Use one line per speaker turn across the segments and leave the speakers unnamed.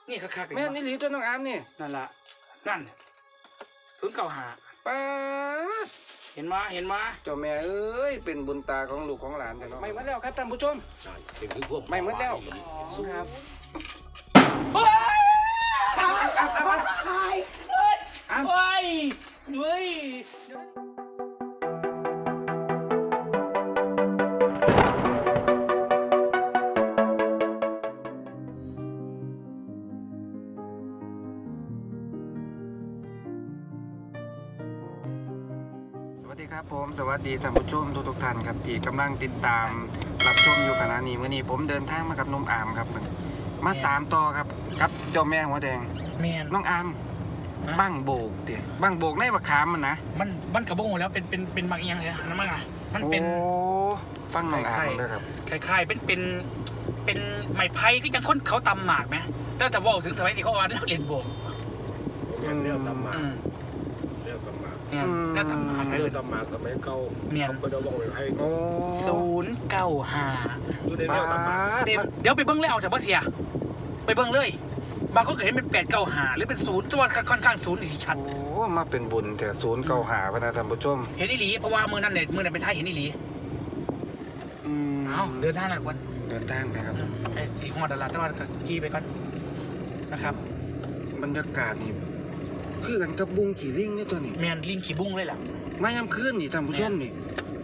นี่คักๆ
แม่นี่หลีตัวน้องอามนี่
นั่นล่ะนั่น095
ป้า
เห็นมา
เจ้าแม่เอ้ยเป็นบุญตาของลูกของหลานแต่เนาะไม่หมดแล้วครับท่านผู้ชมไม่หมดแล้วครับ
เฮ้ย
สวัสดีครับผมสวัสดีท่านผู้ชมทุกท่านครับที่กำลังติดตามรับชมอยู่ขณะนี้วันนี้ผมเดินทางมากับน้องอามครับมาตามต่อครับกับเจ้าแม่หัวแดงน้องอามบั้งโบกเดี๋ยวบั้งโบกในบักขามมันนะ
มันกระบงแล้วเป็นบางอย่างเลยนะมันอ่ะมันเป็น
โอ้ฟังน้องอามเลยครับ
คล้ายๆเป็นไม้ไผ่ก็ยังคนเขาตำหมากไหมแต่ว่าถึงสมัยนี้เขาว่าเล่นโบก
เรื่องตำหมาก
เนี่ยตำหมาก
เลยตำหมากสมัยเก่าเขาไปเอาบอกไว้ให้
095
ดูในเรื่องตำหมาก
เดี๋ยวไปเบิ้งเลยเอาจากบ่เสียไปเบิ้งเลยบางคนก็เห็นเป็น895หรือเป็น0จวนค่อนข้าง0ที่ชัด
โอ้มาเป็นบุญแต่095พนะท่านผู้ชม
เห็นอีหลีเพราะว่ามือนั้นเป็นท้ายเห็นอีหลีเอาเดินทางหน่อยก่อน
เดินทางไปครับ
ไอ้สีของดาราตะวันขี่ไปก่อนนะครับ
บรรยากาศนี่คือกันกับบุ้งขี่ลิงนี่ตัวนี้
แมนลิงขี่บุ้งเลยล่ะ
มายามคืนนี่ท่านผู้ชมนี่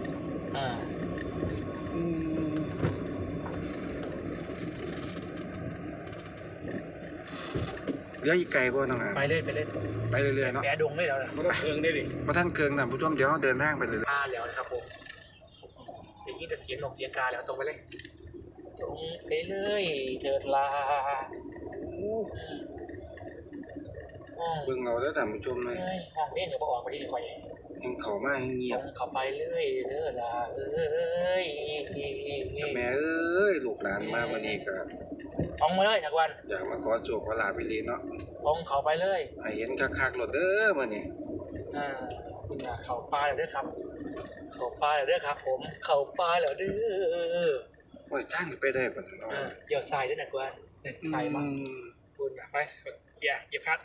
เรืออีกไกลบ่น้องอ่ะ
ไปเรื่อย
เนาะ
แปะดงเลยแล้วนะ
เคืองได้ดิ
พระท่านเคืองท่านผู้ชมเดี๋ยวเดินทางไปเลย
แล้วนะครับผมอย่างนี้จะเสียงนกเสียงกาแล้วตรงไปเลยตรงไปเลยเถิดลา
เบิ่งเอาแล้วท่านผู้ชมเลย
ห้องเล่นเดี๋ยวบอกไปที่นี่คอย
ยังเข้ามาเงียบ
เข้าไปเรื่อยเถิดลา
แม่เอ้ยลูกหลานมาวันนี้ก็
ท้องมาเลยทักวัน
อยากมาขอโชคขอลาพิลีเนาะ
ท้องเข้าไปเลย
ให้เห็นคักๆรถเด้อมื้อนี้
คุณอยากเข้าป่าแล้วเด้อครับเข้าป่าแล้วเด้อครับผมเข้าป่าแล้วเด้อ
โอ้ยทางไปได้บ่เนาะ
เดี๋ยวทรายด้วยนะกวนทรายมาคุณไปเกียร์คัด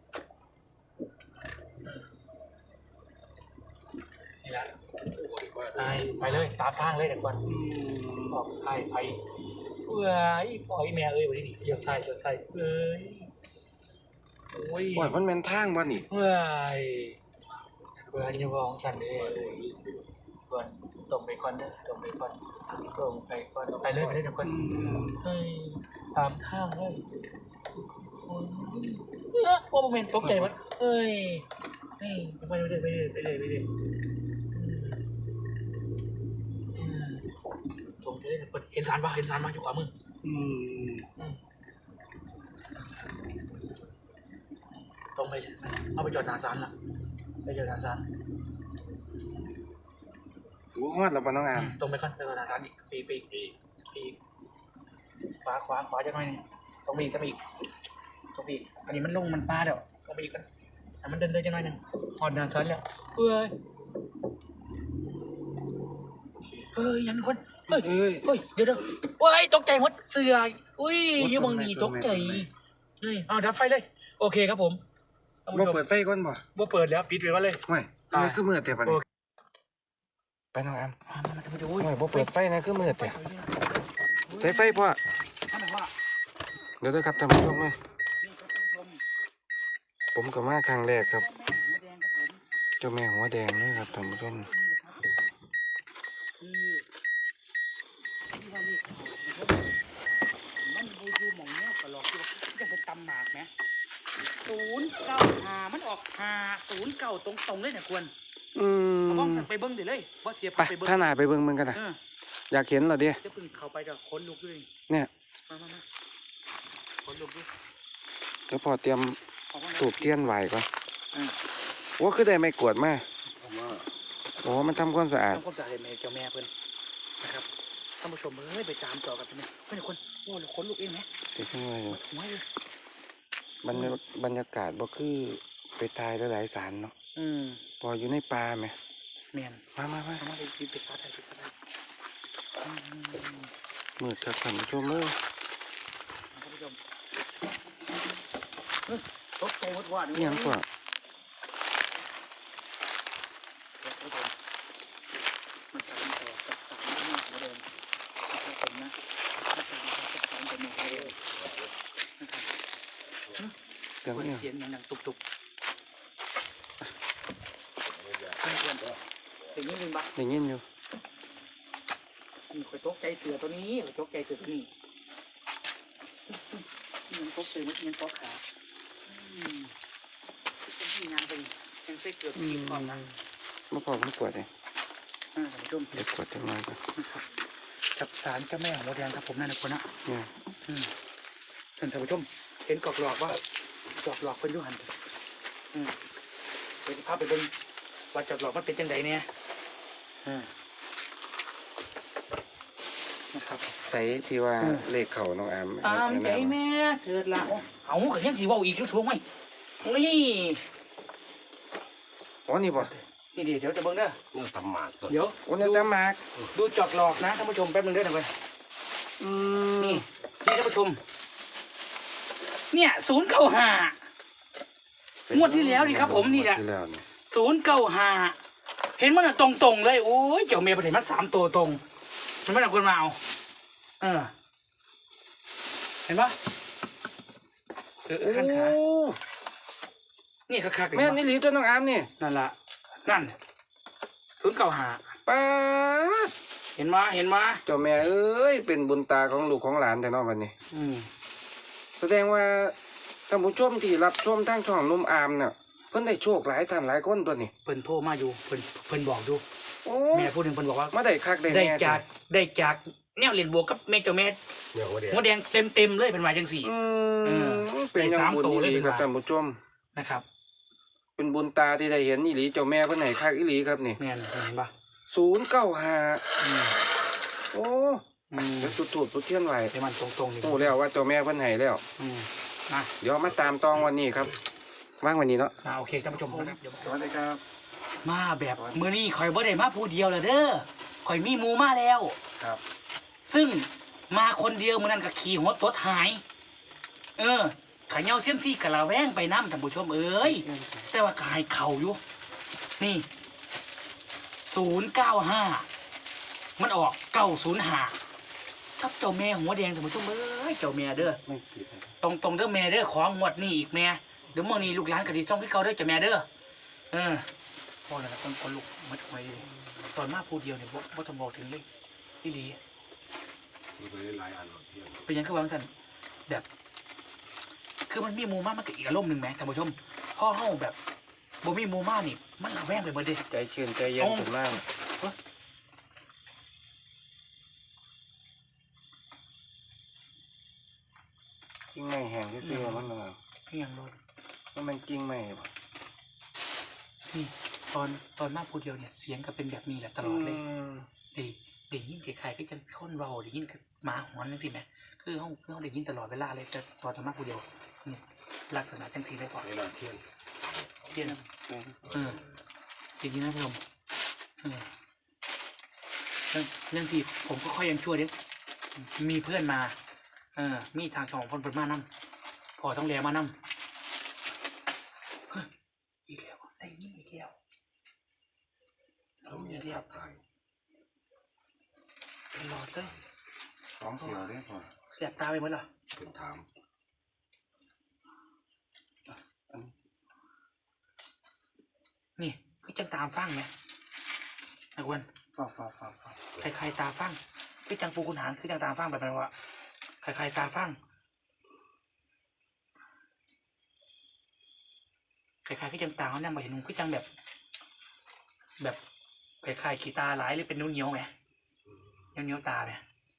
นี่แหละไปเลยตามทางเลยเด็กวันออกทรายไปเอ้ยปล่อยแม่เอ้ยวันนี้เดี๋ยวทรายเอ้ยโอ้ย
มันเป็นทางบ่นี่
เอ้ยเพื่อนจะมองสั่นเลยก่อนตรงไปก่อนเด้อตรงไปก่อนไปเลยเด็กวันเฮ้ยตามทางเลยโอ้โมเมนต์ตกใจมั้ยเอ้ยไปเลยตรงเลยเห็นสารป่ะอยู่ขวามือตรงไปเอาไปจอดหน้าศาลล่ะไปจอดหน้าศาล
รู้ฮอดแล้วป่ะน้องอาม
ตรงไปก่อนไปจอดหน้าศาลอีกปีขวาจะหน่อยตรงไปอีกอันนี้มันลงมันปลาเดี๋ยวตรงไปอีกกันมันเดินจะหน่อยนึงหอดหน้าศาลแล้วเฮ้ยยันคนเฮ้ยเดี๋ยวโอ้ยตกใจหมดเสืออุ้ยอยู่บางนี้ตกใจนี่เอาดับไฟเลยโอเคครับผม
บ่เปิดไฟก่อน
บ่เปิดแล้วปิดไว้ก่อนเลย
ไม่คือมืดแต่ปะนี่ไปน้องอามไม่บ่เปิดไฟนะคือมืดแต่ใช้ไฟพ่อเดี๋ยวครับท่านผู้ชมเลยผมก็มาครั้งแรกครับเจ้าแม่หัวแดงนี่ครับท่านผู้ชม
ตำหมากไหม095มันออก509ตรงเลยเนี่ยควรเอาบ้องไปเบิ้งเดี๋ยวเลยว่าเสียไป
ถ้าหนาไปเบิ้งมึงกันนะอยากเห็นเหรอเดีย
จะพึ่งเข้าไปจะค้นลุกด้วย
เนี่ย
มาค้นลุกด้วย
เดี๋ยวพอเตรียมตูบเทียนไหวก่อนว่าคือได้ไม่กวดมากโอ้มันทำความสะอาด
แม่เจ้าแม่เพิ่นนะครับท่านผู้ชมไปตามต่อกันไหมไม่ใช่คนโอ้ค้นลุกเองไหม
เด็กน้อยบรรยากาศบ่คือไปตายหลายสารเนาะพออยู่ในป่าไหม
แม่น
มา
ไปฟ้าไทย
มืดครับท่านผู้ชมท่านผู้ชม
ตกใจหมดว่า
นี่ยังกว่า
มันจะเป็นตัวกับสารหัวแดงนะครับผมนะกับสารเป็นหัวแดงนะครับ
เรื่องนี้
เสียงดังตุกๆเพื่อนๆอย่างนี้ยินบ้า
ได้ยินอยู่
นี่คอยตกใจเสือตัวนี้คอยตกใจเสือตัวนี้มันตกเสือมันตกขาเป็นงานเป็นยังเส้เกือบทีมก่อนนะ
เมื่อก่อนผมปวดเลย
ท่านผู้ชม
เดี๋ยวปวดจังเลยก่อน
จับสารเจ้าแม่ของโมแดงครับผมนั่นนะคนนะ
เนี่ย
ท่านผู้ชมเห็นกอกหลอกว่าจอกหลอกเป็นยุหันเป็นภาพไปเป็นว่าจอกหลอกมันเป็นจังไดเนี่ยนะครับ
ใส่ที่ว่าเลขเข่าน้องอาม
ตามใจแม่เถิดละเอาก็ยังสิว่าอีกทุกๆไหมนี่
อ๋อนี่บ่
นี่เดี๋ยวจะเบิ่งเด้อ
เนี่ยตำหมากตัว
เดี๋ยว
โอ้เนี่ยจะมาก
ดูจอกหลอกนะท่านผู้ชมแป๊บนึงเด้อนะเว้ยนี่ท่านผู้ชมเนี่ย095งวดที่แล้วนี่ครับผมนี่แหละ
ที่แล้วเนี่ย
095เห็นมันตรงๆเลยโอ้ยเจ้าเมียประเด็นมัน3ตัวตรงมันไม่เอาคนมาเอาเห็นปะขั้นขานี่คักๆ
แม่นี่หลีตัวน้องอามนี่
นั่นละนั่น095
ป้าด
เห็นมา
เจ้าแม่เอ้ยเป็นบุญตาของลูกของหลานแต่นอกวันนี้ แสดงว่าท่านผู้ชมที่รับชมทางช่องนุ่มอามเนี่ยเพิ่นได้โชคหลายท่านหลายคนตัวนี้
เพิ่นโทรมาอยู่เพิ่นบอกอยู่
โอ้
แม่พูดถึงเพิ่นบอกว่า
มาได้คักได้
ได้
แน่
จากแนวเรียนบวกกับแม่เจ้าแม่
เนี่ยหัวแดง
หัวแดงเต็มเลยเป็นมาจังสี่
เป็นอยังบุญ
ได้3ตัว
อี
เล
ห
ย
ลี
เป็น
ครับ
ว่า
ท่านผู้ชม
นะครับ
เป็นบุญตาที่ได้เห็นอีหลีเจ้าแม่เพิ่นให้คักอีหลีครับนี่
แม่นเห็นปะ
095โอ้เดี๋ยวจุดๆจุดเทียนไว้
แต่มันตรงๆนี่
โอ้แล้วว่าเจ้าแม่เพิ่นให้แล้ว
นะ
เดี๋ยวมาตามตองวันนี้ครับว่างวันนี้เนาะ
โอเคท่านผู้ชมนะครับ
สวัสดีครับ
มาแบบมื้อนี้ข่อยบ่ได้มาผู้เดียวละเด้อข่อยมีหมู่มาแล้ว
ครับ
ซึ่งมาคนเดียวมื้อนั้นก็ขี่หัวตดหายขายเงาเสี้ยมซี่กะละแวงไปน้ำท่านผู้ชมเอ้ยแต่ว่าก็ให้เข่าอยู่นี่095มันออก905ครับเจ้าแม่หัวแดงท่านผู้ชมเอ้ยเจ้าแม่เด้อ
ไม่ผิดนะ
ตรงเด้อแม่เด้อของงวดนี่อีกแม่เดี๋ยวเมื่อนี้ลูกหลานกะดิซ่องที่เขาเด้อเจ้าแม่เด้อพ่อแล้วต้องคนลูกมัดไว้เลยตอนมาพูดเดียวเนี่ยบ่ต้องบอกถึงเลยพี่ลี
มีไปได้หลายอันเที่ยง
เป็นยังคือว่าสั่นแบบ คือมันมีหมูมามันก็อีกอารมณ์หนึ่งแหมท่านผู้ชมพ่อเฮาแบบบ่มีหมูมานี่มันระแวงไปหมดเด้
ใจชื้นใจเย็นผมมากจริงไหมแห้งที่ซื้อมันมา
เพียงรถ
มันจริงไหมบ่
นี่ตอนมาพูดเดียวเนี่ยเสียงก็เป็นแบบนี้แหละตลอดเลยได้ยินใครๆก็จะคนเว้าได้ยินหมาหอนจังซี่แหมคือเฮาได้ยินตลอดเวลาเลยแต่ตอนมาพูดเดียวนี่ลักษณะจังซี่ได้ก่อน
เวลาเที่ยง
เทียนจริงๆนะพี่ชมเรื่องที่ผมก็ค่อยยังชั่วเด็กมีเพื่อนมามีทางช่องคนเปิดมานั่พอต้องแลมานั่อีกแล้วได้ยินอีกแล้ว
เรามีทับทาย
เป็นหลอดเลย
สองเสียวได้พอ
แสบตาไปหมดเหรอ
เป็นถาม
นี่คือจังตามฟังไงนักวัน
ฟ้า
ใครตาฟังคือจังปูคุณหางคือจังตามฟังแบบนั้นวะใครตาฟังใครคือจังตาเขาเนี่ยมาเห็นนุ่งคือจังแบบใครขี้ตาหลายหรือเป็นนิ้วเหนียวไหมนิ้วตาไหม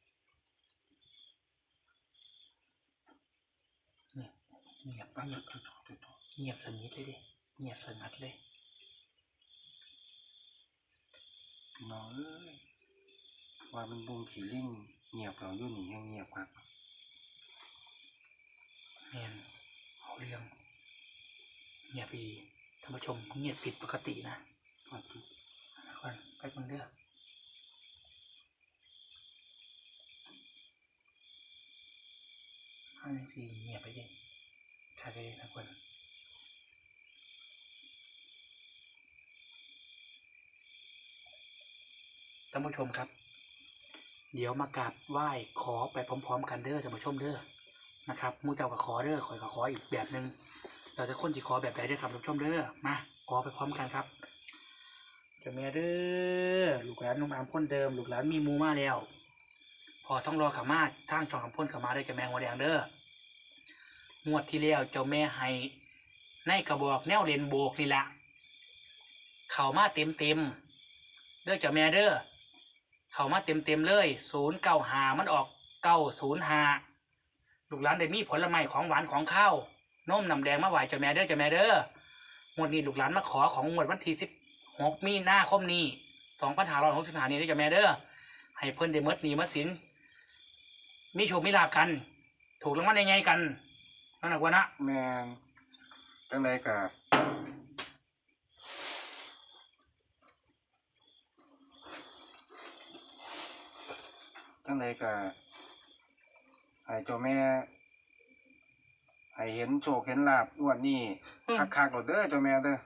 เงียบสนิทเลยดิเงียบสงัดเลย
พี่น้องเอ้ยว่ามันบุงขี่ลิงเงียบเราอยู่นี่ยังเงียบครับ
เงียบเอาเรื่องเงียบอีท่านผู้ชมเงียบผิดปกตินะก่อนไปคนเดียว5 4เงียบไปดิทะเลนะคนท่านผู้ชมครับเดี๋ยวมากราบไหว้ขอไปพร้อมๆกันเด้อท่านผู้ชมเด้อนะครับมูเจ้ากับขอเด้อข่อยกับขออีกแบบหนึ่งเราจะคนที่ขอแบบใดได้อครับท่านผู้ชมเด้อมาขอไปพร้อมกันครับเจ้าแม่เด้อลูกหลานนุ่มอามคนเดิมลูกหลานมีมูมาแล้วพอต้องรอขามาทางช่องคำพ่นขามาได้เจ้าแม่หัวแดงเด้องวดที่แล้วเจ้าแม่ให้ในกระบอกแนวเลนโบกนี่แหละเข่ามาเต็มเด้อเจ้าแม่เด้อเข่ามาเต็มเลย095มันออก905ลูกหลานได้มีผลไม้ของหวานของข้าวนมน้ำแดงมาไหวเจ้าแม่เด้อเจ้าแม่เด้องวดนี้ลูกหลานมาขอของงวดวันที่16มีนาคมนี้2565นี้เด้อเจ้าแม่เด้อให้เพิ่นได้หมดหนี้หมดสินมีโชคมีลาภกันถูกรางวัลใหญ่ๆกันนั่นแหละวะนะ
แม่นจังไดก็ให้เจ้าแม่ให้เห็นโชคเห็นลาภงวดนี้คักๆโลดเด้อเจ้าแม่เด้อ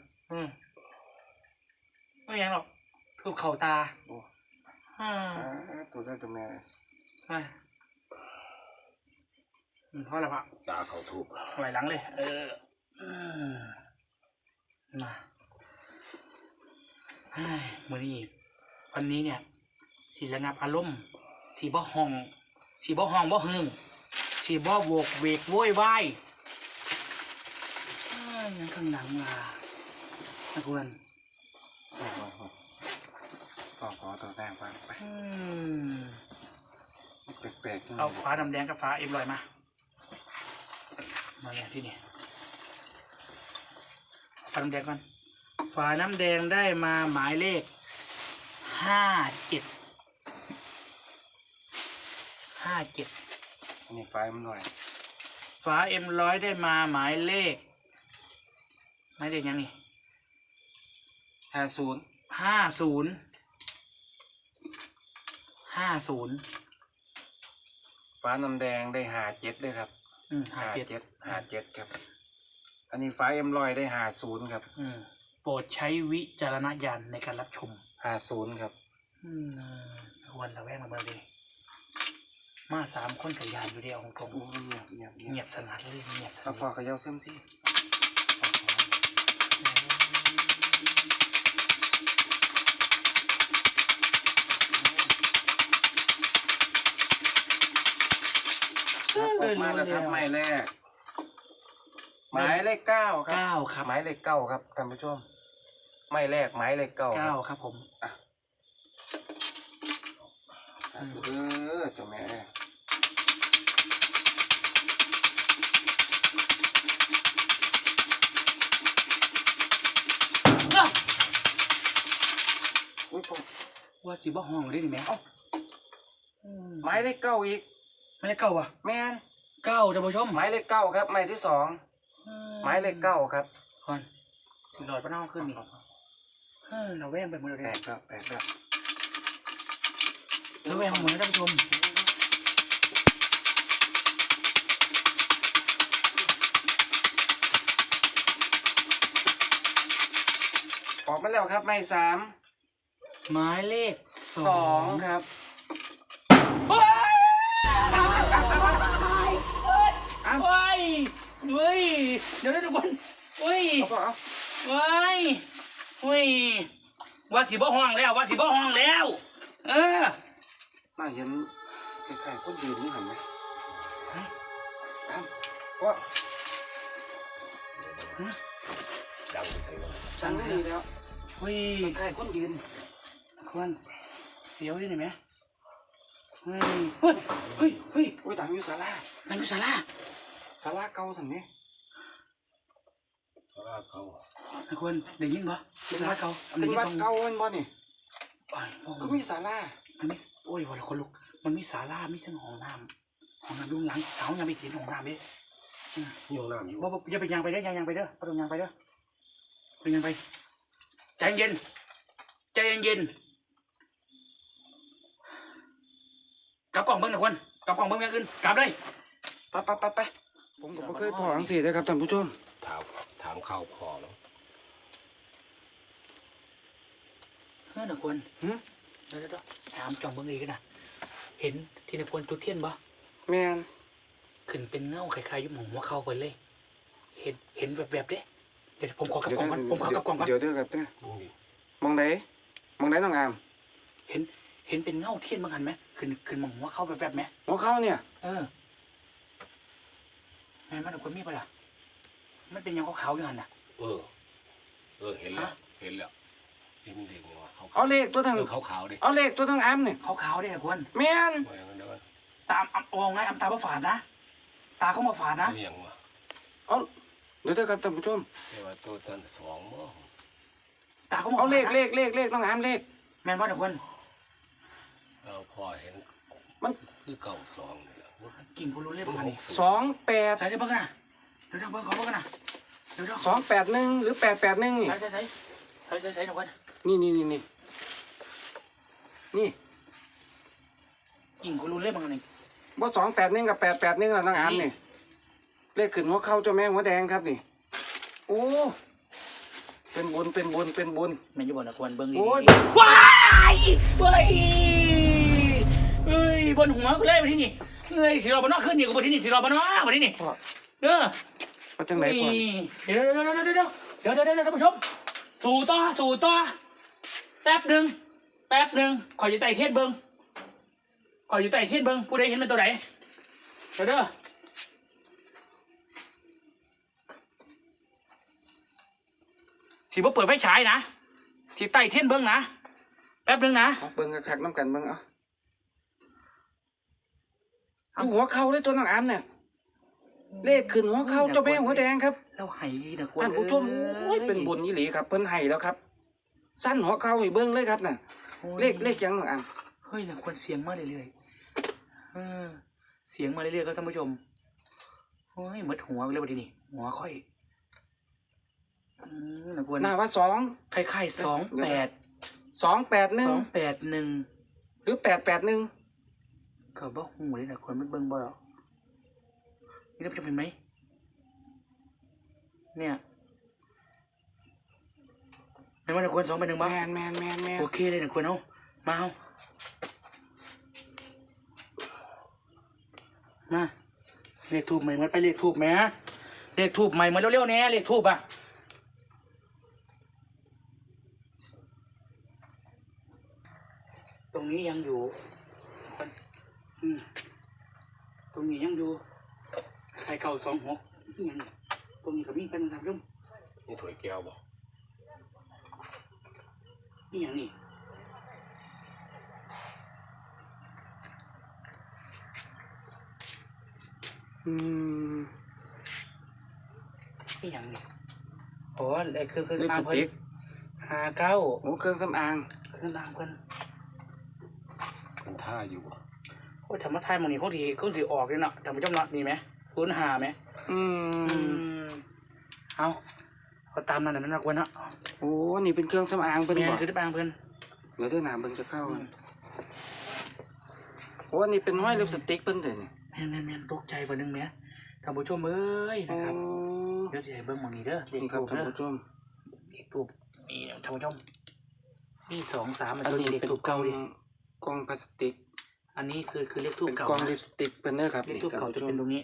ไม่ยังหรอกถูกเข่าตา
โอ้ตัวเด้อเจ้าแม่
เพราะอะไรพะ
ตาเขาถูก
ไหวหลังเลยมาวันนี้เนี่ยสีระงับอารมณ์สีบ่ห้องบ่หึงสีบ่โวกเวกโวยวายยังข้างหลังล่ะนะคุณ
ขอตัวแดงฟังไปแปลกๆ
เอาฟ้าดำแดงกับฟ้าเอ็มลอยมาอย่างที่นี่ฟ้าน้ำแดงก่อนฟ้าน้ำแดงได้มาหมายเลข57
อันนี้ไฟมันหน่อย
ฟ้าM100ได้มาหมายเลขยังนี่50
ฟ้าน้ำแดงได้57ด้วยครับ57ครับอันนี้ไฟM100ได้50ครับ
โปรดใช้วิจารณญาณในการรับชม
50ครับ
วันละแวงมาเลยมา3คนกับยานอยู่เดียวของผมเงียบสนัดเลยเงียบ
เอาพอขย่าเส้นสิออกมาแล้วครับหมายเลข9ครับหมายเลข9ครับท่านผู้ชมหมายเลข9
ครับผม
เจ้าแม่
อุ้ยผมว่าจีบ่ห้องได้ดิแม่
หมายเลข9อีก
หมายเลข9อ่ะ
แม่น
9ท่านผู้ชม
หมายเลข9ครับหมายที่2หมายเลข9ครับ
ก่อนสิหลอดปะเน่าขึ้นนี่เราแว่งไปหมดเลย
แปลกแล้ว
เราแว่งหมดแล้วท่านผู้ชม
ออกมาแล้วครับหมาย3
หมายเลข
2ครับ
เดี๋ยวทุกคนว่าสีบ่ห้องแล้ว
น่าเห็นใครๆคนยืนนี่เห็นไหมว่า
ดัง
ดีแล้วใครคนยืน
คนเสียวดิไหม
ต่างอยู่ศาลาเก่าสันนี้
ศาลาเก่า
คนได้ยินปะศาลาเก่า
เป็นวัดเก่ามันบ่นี่ก็มีศาลา
มันมีโอ้ยวันละคนลุกมันมีศาลามีทั้งห้องน้ำลุงหลังเท้ายังไปถีนห้องน้ำดิ
ห้องน้ำอยู่
ว่าอย่าไปยางไปเด้อยางไปเด้อประตูยางไปเด้อเป็นยังไปใจเย็นกลับกล่องเบิ้งหนึ่งคนกลับกล่องเบิ้งอย่างอื่นกลับเลย
ไปผมก็บ่เคยพออังสีเลยครับท่านผู้ชม
ถามข้าวพอแล้ว
เฮ้ยนะคนเดี๋ยวถามจ่องเบิ่งอีกนะเห็นที่นะคนจุดเทียนบ่
แม่น
ขึ้นเป็นเงาคล้ายๆยุ่งหัวเข้าไปเลย เห็นแวบๆเด้เดี๋ยวผมขอกับกล่องก่อนผมขอกับกล่องก่อน
เดี๋ยวครับเด้อมองไหนน้องอาม
เห็นเป็นเงาเทียนบางหันไหมขึ้นมองหัวเข้าแวบๆไหม
หัวเข้าเนี่ย
แม่มันเอาคนมีปะล่ะมันเป็นยังขาวๆอยู่หันน่ะ
เห็นแล้วนี่มันเด็กวะ
เอาเลขตัวทาง
ขาวดิ
เอาเลขตัวทางอามเนี่ย
ขาวๆได้นะคน
แม่น
ตามเอาไงตาบ่ฝาดนะตาเขามาฝาดนะ
ยังวะ
เอาเดี๋ยวครับท่านผู้ชม
แต่ว่าตัวนั้นสองมั้ง
ตาเขามา
เอาเลข
ฝาดนะ
เลขน้องอามเลข
แม่นว่านะคน
เราพอเห็น
มัน
คือเก่าสองนี่แหละ
กิ่งพูรู้เรื่องมันนี่
28
ใส่เบิ่งกันนะเดี๋ยวเบิ่งขอเบิ่งกันนะเดี๋ยว
281หรือ881นี่
ใส่นะคน
นี่
กิ่งพูรู้เรื่องมันนี่
บ่281กับ881แล้วน้องอามนี่เลขขึ้นหัวเข้าเจ้าแม่หัวแดงครับนี่โอ้เป็นบุญ
แม่นอยู่บ่นะคนเบิ่งดี
โอ้ย
ว้ายเฮ้ยบนหัวกูเลยมาที่นี่เฮ้ยสิรอบนนอกขึ้นนี่กูมาที่นี่สิรอบนนอกมาที่นี่
พ่อ
เอา
จังไหนพ่อ
เดี๋ยวท่านผู้ชมสู่ต่อแป๊บหนึ่งขออยู่ใต้เทียนเบิ้งผู้ใดเห็นเป็นตัวไหนเดี๋ยวสิบ่เปิดไฟฉายนะสิใต้เทียนเบิ้งนะแป๊บหนึ่งนะ
เอาเบิ่งคักๆน้ำกันเบิ่งเอาดูหัวเข้าเลยตัวน้องอามเนี่ยเลขขึ้นหัวเข้าเจ้าแม่หัวแดงครับ
แล้วไห้นะ
ท่านผู้ชมโอ้ยเป็นบุญยี่หลีครับเพิ่นให้แล้วครับ สั้นหัวเข้าให้เบิ่งเลยครับน่ะเลขยังน้องอาม
เฮ้ยนะควรเสียงมาเรื่อยๆเสียงมาเรื่อยๆครับท่านผู้ชมโอ้ยหมดหัวไปแล้ววันนี้หัวค่อยนะควร
หน้าว่า2
คล้ายๆ
281
281
หรือ881
ก็บ่หูเลยนะควรมันเบิ่งบ่หรอกนี่ท่านผู้ชมเห็นไหมเนี่ยในวันนะควร281บ้าง
แม่น
โอเคเลยนะควรเอามาเลขทูบใหม่มันไปเลขทูบไหมเลขทูบใหม่มาเร็วๆเนี่ยเลขทูบอ่ะตรงนี้ยังอยู่ตรงนี้ยังอยู่ใครเก่า26ยังตรงนี้ก็มีเป็นครับยุ่ง
นี่ถวยแก้วบ่
นี่ยังนี่นี่ยังนี่โอ้ไอ้เครื่อง
ลิปสติก
59
โอ้เครื่องสำอาง
เครื่องรางเพิ่น
เป็นท่าอยู่บ่
โอ้ยธรรมะไทยหมองนี้เขาถือออกเลยเนาะท่านผู้ชมเนาะนี่ไหม05ไหมเอาตามนั้นนะกวนเนาะ
โอ้นี่เป็นเครื่องสำอางเพิ่น
แม่
บ่
นคือที่บางเพิ่น
เดี๋ยวหน้าเบิ่งจะเข้าโอ้นี่เป็นห้อยลิปสติกเพิ่นเด้อนี่
แม่นตกใจบ่นึงแม่ท่านผู้ชมเอ้ยนะครับเดี๋ยวจะให้เบิ่งหมองนี้เด้อเลข
นี่ครับ
ทูบ
ท่าน
เด้อ
ผู้ชม
เลขทูบนี่ท่านผู้ชมนี่2-3
อัน
ตัว
นี้
นี้เลข
เป็น
ทูบเก่าดิ
กล่องพลาสติก
อันนี้คือเลขทูบ
เป็น
เก่าก
ล่อง
นะ
ลิปสติกเพิ่นเด้อครับ
เลขทูบเก่าจะเป็นตรงนี้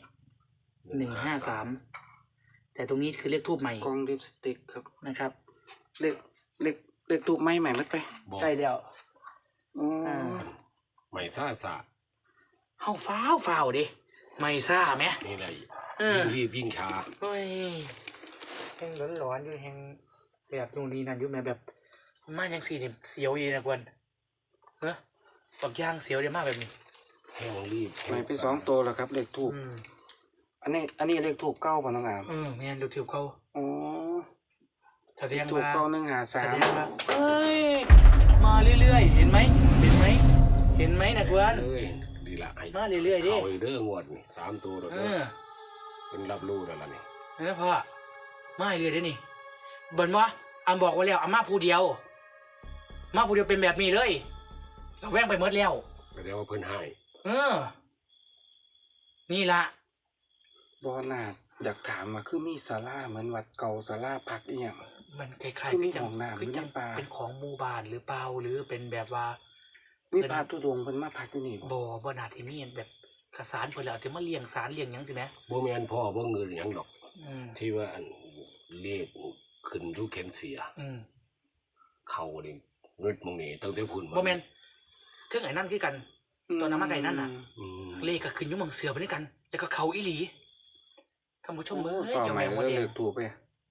153แต่ตรงนี้คือเลขทูบใหม่
กล่องลิปสติกครับ
นะครับ
เลขตูบใหม่มัดไป
บ่
ใช่แล้ว
อ๋อ
ไม่ท่าสะ
เฮาฟ้าวดิไม่ซ่าไหม
นี่แหละ
เออ
ยิ่งรีบยิ่งช้า
เฮ้ยแห้งร้อนๆอยู่แห้งแบบตรงนี้นั่นอยู่แม่แบบมาอย่างสี่เนี่ยเสียวดีนะกวนตอกย่างเสียวดีมากแบบนี้
แห้งรีบ
ใหม่ไป2ตัวแล้วครับเลขทูบอันนี้เลขทูบเก้าป่ะน้องอาม
แม่นดูทิวเขา
อ๋อ
แสดง
ทูบ
ว่า
เก้า
แสดง
153
ว่าเฮ้ยมาเรื่อยๆเห็นไหมนะกวน
เอ้ยดีละไอ้
มาเรื่อยๆดิ
เข้าเรื่องงวดนี่3ตัวแล้วเป็นรับรู้แล้วล่ะนี่
นั่นพ่อมาเรื่อยๆดินี่เบิ่นว่าอำบอกไว้แล้วอามาผู้เดียวเป็นแบบนี้เลยเราแว่งไปหมดแล้ว
ก็เดี๋ยวว่าเพิ่นให้
นี่ละ
บ่น่าอยากถามว่าคือมีศาลาเหมือนวัดเก่าศาลาพักอีหยัง
มันคล้ายๆ
คือมี
จั
ห้องน้ำ
คือ
มี
จัง
น้ำปลา
เป็นของหมู่บ้านหรือเปล่าหรือเป็นแบบว่า
มีพระธุดงค์เพิ่นมาพักอยู่นี่บ่
บ่น่าที่มีแบบขสารเพิ่นแล้วจะมาเลี้ยงสารเลี้ยงหยังสิแหม
บ่แม่นพ่อบ่เงินหยังดอก
อืม
ที่ว่าอันเลขขึ้นทุกเข็นเสีย
อืม
เขานี่เงินมึงนี่ตั้งแต่พุ่น
บ่แม่นเครื่องไอ้นั่นคือกัน ตัวน้ำมันไก่นั่นน่ะ
อืม
เลขก็ขึ้นอยู่หม่องเสือไปด้วยกันแล้วก็เขาอีหลีท่านผู้ชม
โอ้
เอ้ย
สอบ
เจ้า
ใหม่
แม่หัว
แล้ว
แด
เล
ง
ขถูกไป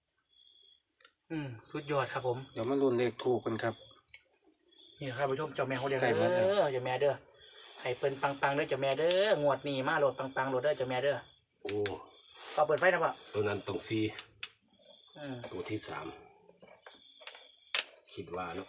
สุดยอดครับผม
เดี๋ยวมาลุ้นเลขถูกกันครับ
นี่ครับผู้ชมเจ้าแม่หัวแดง
ใกล้หมดแล้ว
เจ้าแม่เด้อให้เปิ้นปังๆเด้อเจ้าแม่เด้องวดนี้มาโหลดปังๆโหลดเด้อเจ้าแม่เด้อ
โอ้
ก็เปิดไฟนะพ่อ
ตัวนั้นต้องซี
อืม
ตัวที่สามคิดว่าเนาะ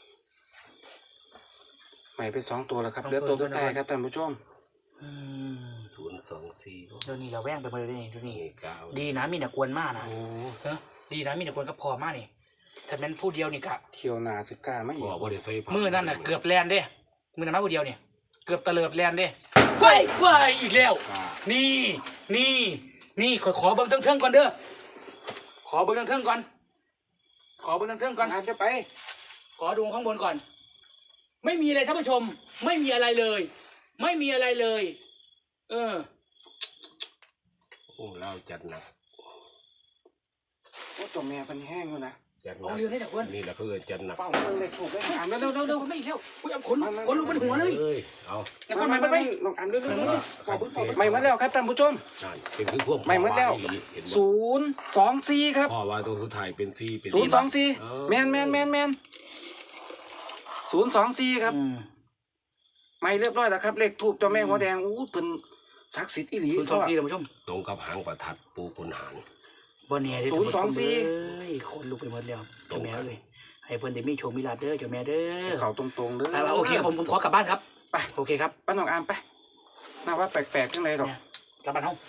ใหม่ไป2ตัวแล้วครับเหลือตัวสุดท้ายครับท่านผู้ชม
อืม
024
เดี๋ยวนี้เราแว่งไปหมดเลยนี่ดูนี่
นี่เก้า
ดีนะมีแต่กวนมากนะ
โอ้
เนอะดีนะมีแต่กวนก็พอมากนี่ถ้าเป็นผู้เดียวนี่กะ
เที่ยวหน้าสิกล้ามาอี
พ่
ก
อบ่ได้ใส่ผ้า
มือนั่นน่ะเกือบแลนเด้มือนั้นมาผู้เดียวเนี่ยเกือบตะเลิดแลนเด้ว้ายอีกแล้ว
อ่า
นี่ขอเบิ้งเทิงๆก่อนเด้อขอเบิ้งเทิงๆก่อนขอเบิ้งเทิงๆก่อน
อาจจะไป
ขอดูข้างบนก่อน ไม่มีอะไรท่านผู้ชม ไม่มีอะไรเลย ไม่มีอะไรเลย เออ
โอ้เราจัดหนัก
โอ้ตัวแม่เป็นแห้งอยู่นะ
จัดห
เอา
นัก
เรื่องนี้แต่อ้วน
นี่แหละเพื่อจัดหนัก
เป้าเบิ่งเลขถูกเลยอ่านเร็ว
ไม่อีกแล้วอุ้ยเอาขนลุกเป็นหัวเลย
เอ้ยเอา
แล้วก็มันไป
ลองอ่านเร็ว
ขอบคุณ
ๆไม่หมดแล้วครับท่านผู้ชม
นั่นเป็นคือพวก
ไม่หมดแล้ว
เห็นบ่
024ครับ
พ่อว่าตัวสุดท้ายเป็นซีเป็น
024แมน024ครับ
อืม
ไม่เรียบร้อยแล้วครับเลขถูกเจ้าแม่หัวแดงอู้เพิ่นศักดิ์สิทธิ์อีหลี
คุณสองสี่ท่านผู้ชม
ตรงกับหางประทัดปูขุนหาร
บ่เนี่ยเด้อ
024
เอ้ยขนลุกไปหมดแล้วเจ้าแม่เลยให้เพิ่นได้มีโชคมีลาภเด้อเจ้าแม่เด้อ
เขาตรงๆเด้อ
โอเคครับผมขอกลับบ้านครับ
ไป
โอเคครับ
ป้าน้องอามไปน่าว่าแปลกๆจังเลยดอก
เนี่ยกลับบ้านเฮา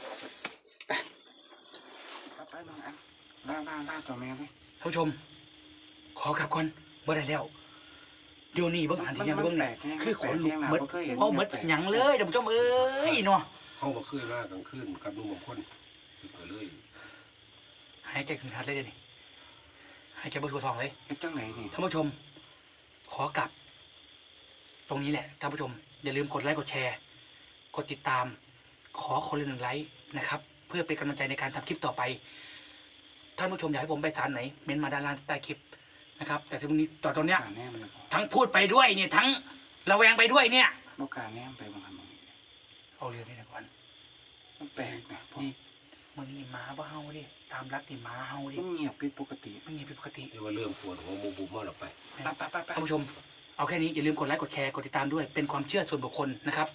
ไปน้องอามล่าเจ้าแม่เลย
ท่านผู้ชม ขอกลับก่อนบ่ได้แล้วเดี๋ยวนี้เบิ่งหันที่ยังเบิ่งน่ะคือขนลุกหมดเอาหมดหยังเลยท่านผู้ชมเอ้ยเนาะ
เขาก็ขึ้นมากลางคืนกับลุงบางคนก็เลย
หายใจถึงทัดเลยเดี๋ยวนี้หายใจบนหัวทองเลย
เฮ็ดจังไหนนี่
ท่านผู้ชม ขอกลับ ตรงนี้แหละท่านผู้ชม อย่าลืมกดไลค์กดแชร์ กดติดตาม ขอคนละ1 ไลค์นะครับ เพื่อเป็นกำลังใจในการทำคลิปต่อไป ท่านผู้ชมอยากให้ผมไปสารไหน เม้นต์มาด้านล่างใต้คลิปนะครับ แต่ตรงนี้ตอนเนี้ย
กล้าแน่มันเลยพอ
ทั้งพูดไปด้วยเนี่ย ทั้งระแวงไปด้วยเนี่ย
บ่กล้าแน่มันไปบางคำ
เอาเรื่องนี้นะก่อน
มันแปลกนะพ่อ
นี่มันนี่หมาบ้าเฮาดิตามรักนี่หมาเฮาดิ
มันเงียบผิดปกติ
ไม่มีผิดปกติ
เรียกว่าเริ่มปวดหัวมูบุบมาแล้วไป
ไป
ท่านผู้ชม เอาแค่นี้อย่าลืมกดไลค์กดแชร์กดติดตามด้วยเป็นความเชื่อส่วนบุคคลนะครับ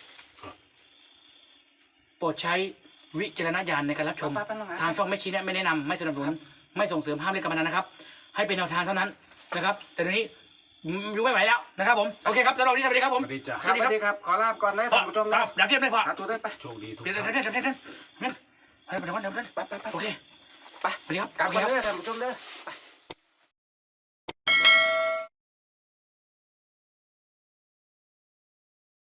โปรดใช้วิจารณญาณในการรับชม
ไปน้องอาม
ทางช่องไม่ชี้แนะไม่แนะนำไม่สนับสนุนไม่ส่งเสริมห้ามเล่นการพนันนะครับ ให้เป็นแนวทางเท่านั้นนะครับ แต่ตอนนี้อยู่ไม่ไหวแล้วนะครับผมโอเคครับสำหรับวันนี้สวัสดีครับผม
สวัสดีจ้ะ
ครับสวัสดีครับ ขอลาบก่อนนะท่านผู้ชมนะ
ดับเทียบไม่พอ
หาตัวได้ไป
โชคดีทุก
เดี๋ยว
ท่าน
เดี๋ยวไปเดี๋ยวไปสวัสดีครับ
ไป
สวัสดีครับ
กลับ
สวัส
มา
ดีครับ
เด้อท่านผู้ชมเด้อไป